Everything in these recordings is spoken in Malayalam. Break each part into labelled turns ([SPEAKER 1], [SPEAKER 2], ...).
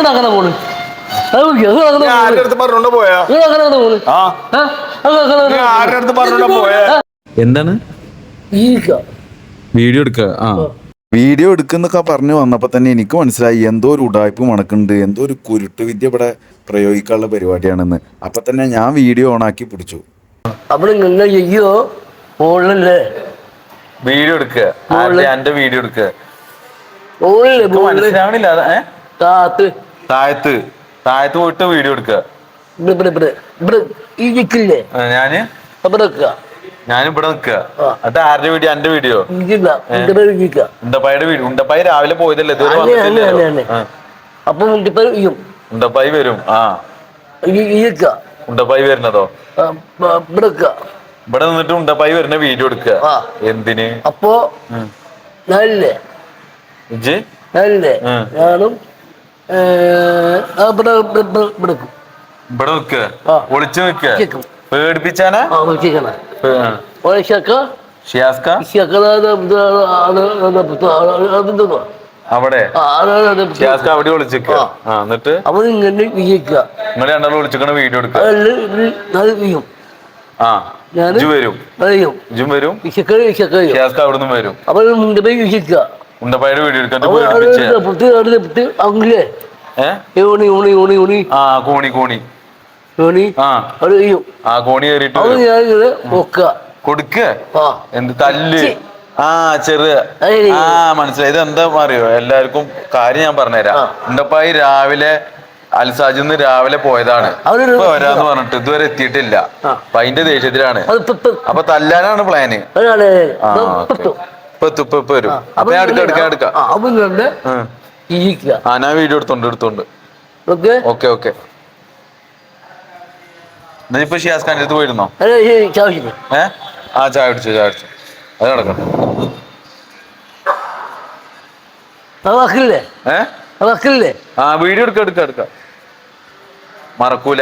[SPEAKER 1] അങ്ങനെ പോണ്
[SPEAKER 2] ആരുടെ അടുത്ത് പറഞ്ഞോണ്ട് പോയാ ആരുടെ അടുത്ത് പറഞ്ഞോണ്ട് പോയാ
[SPEAKER 3] എന്താണ് വീഡിയോ എടുക്കുക? ആ,
[SPEAKER 4] വീഡിയോ എടുക്കുന്നൊക്കെ പറഞ്ഞു വന്നപ്പോൾ തന്നെ എനിക്ക് മനസ്സിലായി എന്തോ ഒരു ഉടായ്പ് മണക്കുന്നുണ്ട്, എന്തോ ഒരു കുരുട്ട് വിദ്യ ഇവിടെ പ്രയോഗിക്കാനുള്ള പരിപാടിയാണെന്ന്. അപ്പൊ തന്നെ ഞാൻ വീഡിയോ ഓണാക്കി പിടിച്ചു.
[SPEAKER 3] വീഡിയോ എടുക്കുക, എന്റെ വീഡിയോ എടുക്കുക. മനസ്സിലാവണില്ല. താഴത്ത് താഴത്ത് പോയിട്ട് വീഡിയോ എടുക്കുക. ഞാനിവിടെ നിക്കുക. അത് ആരുടെ വീഡിയോ? എന്റെ വീഡിയോ. ഉണ്ടപ്പായുടെ വീഡിയോ. ഉണ്ടപ്പായി രാവിലെ പോയതല്ലേ, ഇതുവരെ വന്നിട്ടില്ലല്ലോ.
[SPEAKER 1] അപ്പൊ
[SPEAKER 3] ഉണ്ടപ്പായി വരും. ആ, ഉണ്ടപ്പായി വരുന്നതോ? ഇവിടെ നിന്നിട്ട് ഉണ്ടപ്പായി വരുന്ന വീഡിയോ എടുക്കുക. എന്തിന്?
[SPEAKER 1] അപ്പൊ ഞാനും
[SPEAKER 3] ഇവിടെ നിക്കുക, ഒളിച്ചു നിക്കുക, പേടിപ്പിച്ചാനാ. അവിടെ അവിടെ വിളിച്ചിരിക്കുക. എന്നിട്ട് നിങ്ങൾ രണ്ടാളും വിളിച്ചിരിക്കണ വീഡിയോ എടുക്കുക. ആ, വരും അവിടുന്ന് വരും. ഉണ്ടപ്പായുടെ വീഡിയോ എടുക്കാൻ കോണി കയറിട്ട് കൊടുക്ക. എന്ത് തല്ല്? ആ, ചെറിയ. ആ, മനസ്സിലായി. ഇത് എന്താ അറിയോ? എല്ലാവർക്കും കാര്യം ഞാൻ പറഞ്ഞുതരാം. ഉണ്ടപ്പായി രാവിലെ അൽസാജിന്ന് രാവിലെ പോയതാണ്. ഇപ്പൊ വരാന്ന് പറഞ്ഞിട്ട് ഇതുവരെ എത്തിയിട്ടില്ല. അപ്പൊ അതിന്റെ ദേഷ്യത്തിലാണ്. അപ്പൊ തല്ലാനാണ് പ്ലാന്. ഇപ്പൊ വരും. അപ്പൊ ഞാൻ എടുക്കാം. ഞാൻ വീഡിയോ എടുത്തോണ്ട്. ഓക്കെ. ഇപ്പൊ ഷിയാസ് ഖാന്റെ അടുത്ത് പോയിരുന്നോ? ആ, ചായ കുടിച്ചു. അത് നടക്കട്ടെ. ആ, വീഡിയോ എടുക്ക. മറക്കൂല.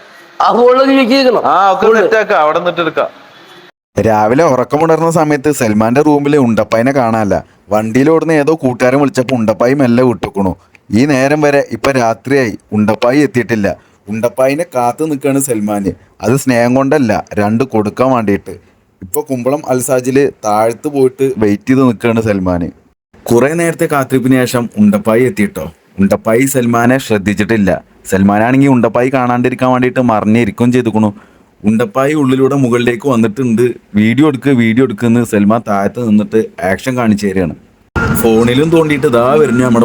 [SPEAKER 3] അവിടെ നിന്നിട്ട് എടുക്കാം.
[SPEAKER 4] രാവിലെ ഉറക്കമുണർന്ന സമയത്ത് സൽമാന്റെ റൂമിൽ ഉണ്ടപ്പായിനെ കാണാനല്ല. വണ്ടിയിലോടുന്ന ഏതോ കൂട്ടുകാരൻ വിളിച്ചപ്പോൾ ഉണ്ടപ്പായി മെല്ലെ വിട്ടുക്കണു. ഈ നേരം വരെ ഇപ്പൊ രാത്രിയായി, ഉണ്ടപ്പായി എത്തിയിട്ടില്ല. ഉണ്ടപ്പായിനെ കാത്തു നിൽക്കുകയാണ് സൽമാന്. അത് സ്നേഹം കൊണ്ടല്ല, രണ്ട് കൊടുക്കാൻ വേണ്ടിയിട്ട്. ഇപ്പൊ കുമ്പളം അൽസാജില് താഴത്ത് പോയിട്ട് വെയിറ്റ് ചെയ്ത് നിൽക്കുകയാണ് സൽമാന്. കുറെ നേരത്തെ കാത്തിരിപ്പിന് ശേഷം ഉണ്ടപ്പായി എത്തിയിട്ടോ. ഉണ്ടപ്പായി സൽമാനെ ശ്രദ്ധിച്ചിട്ടില്ല. സൽമാനാണെങ്കിൽ ഉണ്ടപ്പായി കാണാണ്ടിരിക്കാൻ വേണ്ടിയിട്ട് മറിഞ്ഞിരിക്കും ചെയ്തുക്കണു. ഉണ്ടപ്പായി ഉള്ളിലൂടെ മുകളിലേക്ക് വന്നിട്ടുണ്ട്. വീഡിയോ എടുക്കുന്ന് സൽമാൻ താഴത്ത് നിന്നിട്ട് ആക്ഷൻ കാണിച്ചു തരികയാണ്. ഫോണിലും തോണ്ടിയിട്ട് ദാ വരുന്നു നമ്മുടെ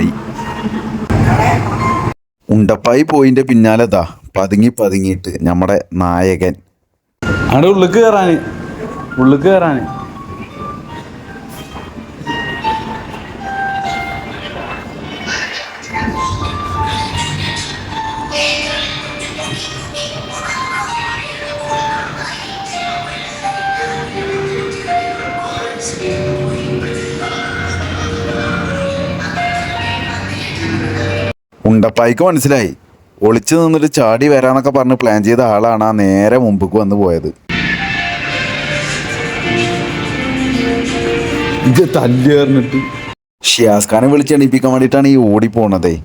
[SPEAKER 4] ഉണ്ടപ്പായി പോയിന്റെ പിന്നാലെ ദാ പതുങ്ങിയിട്ട് നമ്മുടെ നായകൻ.
[SPEAKER 3] അവിടെ ഉള്ളിക്ക് കയറാന്
[SPEAKER 4] ഉണ്ടപ്പായിക്ക് മനസ്സിലായി. ഒളിച്ചു നിന്നിട്ട് ചാടി വരാന്നൊക്കെ പറഞ്ഞ് പ്ലാൻ ചെയ്ത ആളാണ് ആ നേരെ മുമ്പക്ക് വന്ന് പോയത്.
[SPEAKER 3] ഇത് തല്ലിട്ട്
[SPEAKER 4] ഷിയാസ് ഖാനെ വിളിച്ചെണീപ്പിക്കാൻ വേണ്ടിയിട്ടാണ് ഈ ഓടിപ്പോണതേ.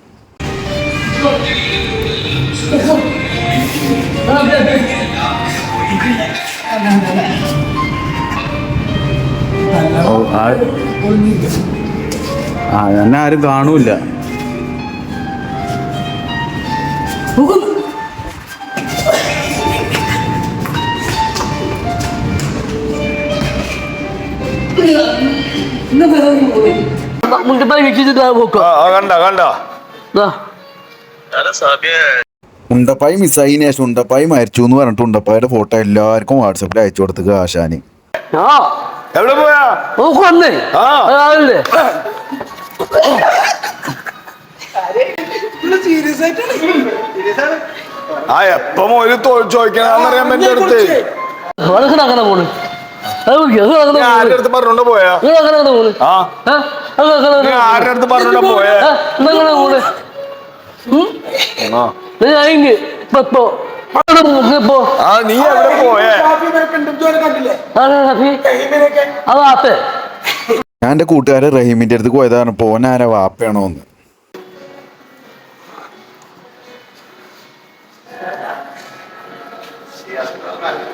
[SPEAKER 3] എന്നെ ആരും കാണൂല.
[SPEAKER 4] ഉണ്ടപ്പായി മിസ്സായതിനു ശേഷം ഉണ്ടപ്പായി മരിച്ചു എന്ന് പറഞ്ഞിട്ട് ഉണ്ടപ്പായുടെ ഫോട്ടോ എല്ലാവർക്കും വാട്സപ്പിൽ അയച്ചു കൊടുത്തുക ആശാന്.
[SPEAKER 2] എവിടെ പോയാ? ആ, എപ്പം ഒരു ചോദിക്കണറിയാൻ എന്റെ അടുത്ത്. ആരുടെ അടുത്ത് പറഞ്ഞോണ്ട് പോയാ? ആരുടെ അടുത്ത് പറഞ്ഞോണ്ട് പോയാ? നീ എവിടെ പോയേ?
[SPEAKER 4] ഞാൻ എൻ്റെ കൂട്ടുകാരൻ റഹീമിന്റെ അടുത്ത് പോയതാണ്. പോനാര വാപ്പയാണോ എന്ന്.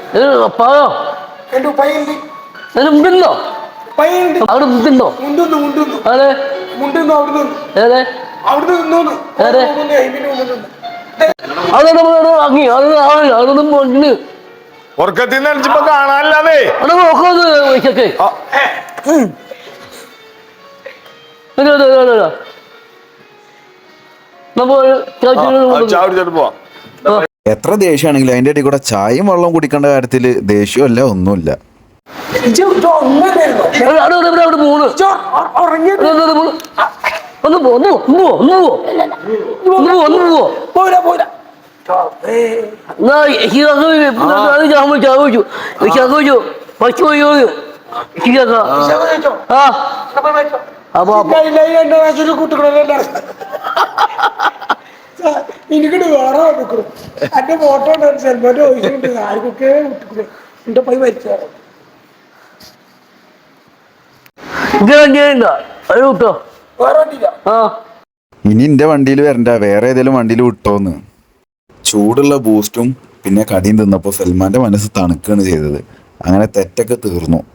[SPEAKER 1] പായോ
[SPEAKER 5] എന്റെ ഉപ്പായുണ്ട്
[SPEAKER 1] അതിന് മുണ്ടുണ്ടോ
[SPEAKER 5] ഉപ്പായുണ്ട്
[SPEAKER 1] അവിടെ മുണ്ടുണ്ടോ
[SPEAKER 5] മുണ്ടുന്നു മുണ്ടുന്നു
[SPEAKER 1] അതെ
[SPEAKER 5] മുണ്ടുന്നു അവിടെ നിന്ന്
[SPEAKER 1] ഏതെ
[SPEAKER 5] അവിടെ നിന്നോന്ന്
[SPEAKER 1] ഏതെ
[SPEAKER 5] അയിമിന്റെ മുണ്ടുന്നു
[SPEAKER 1] അതൊന്നും വാങ്ങി അതൊന്നും മുണ്ട്
[SPEAKER 2] ഉറക്കത്തിൽ നിന്ന് അടിച്ചപ്പോ കാണാനല്ലാതെ
[SPEAKER 1] അവിടെ നോക്കുന്നത് വൈശൊക്കെ
[SPEAKER 2] ചാവിടിച്ചിട്ട് പോവാം
[SPEAKER 4] എത്ര ദേഷ്യമാണെങ്കിലും അതിൻ്റെ ഇടയിൽ കൂടെ ചായയും വെള്ളം കുടിക്കേണ്ട കാര്യത്തിൽ ദേഷ്യമല്ല ഒന്നുമില്ല.
[SPEAKER 1] അവിടെ മൂന്ന് ഒന്ന് പോ ഒന്ന് പോ ഒന്ന് പോ ഒന്ന് പോ ഒന്ന് പോ
[SPEAKER 5] പോരാ പോരാ
[SPEAKER 1] ചോദിച്ചു പച്ചു പോയോ ആ അപ്പൊ
[SPEAKER 5] കുട്ടികളെ എനിക്കിട്ട് വേറെ കുട്ടികളും എന്റെ ഫോട്ടോ ഉണ്ട് സൽമാന്റെ ചോദിച്ചിട്ടുണ്ട് ആർക്കൊക്കെ കുട്ടികളെ എന്റെ പൈ മരിച്ചാണ്
[SPEAKER 1] അത് കിട്ടോ
[SPEAKER 5] വേറെ വണ്ടിയില്ല
[SPEAKER 1] ആ
[SPEAKER 4] ഇനി എൻ്റെ വണ്ടിയിൽ വരണ്ട, വേറെ ഏതെങ്കിലും വണ്ടിയിൽ വിട്ടോന്ന്. ചൂടുള്ള ബൂസ്റ്റും പിന്നെ കടിയും തിന്നപ്പോൾ സൽമാൻ്റെ മനസ്സ് തണുക്കുകയാണ് ചെയ്തത്. അങ്ങനെ തെറ്റൊക്കെ തീർന്നു.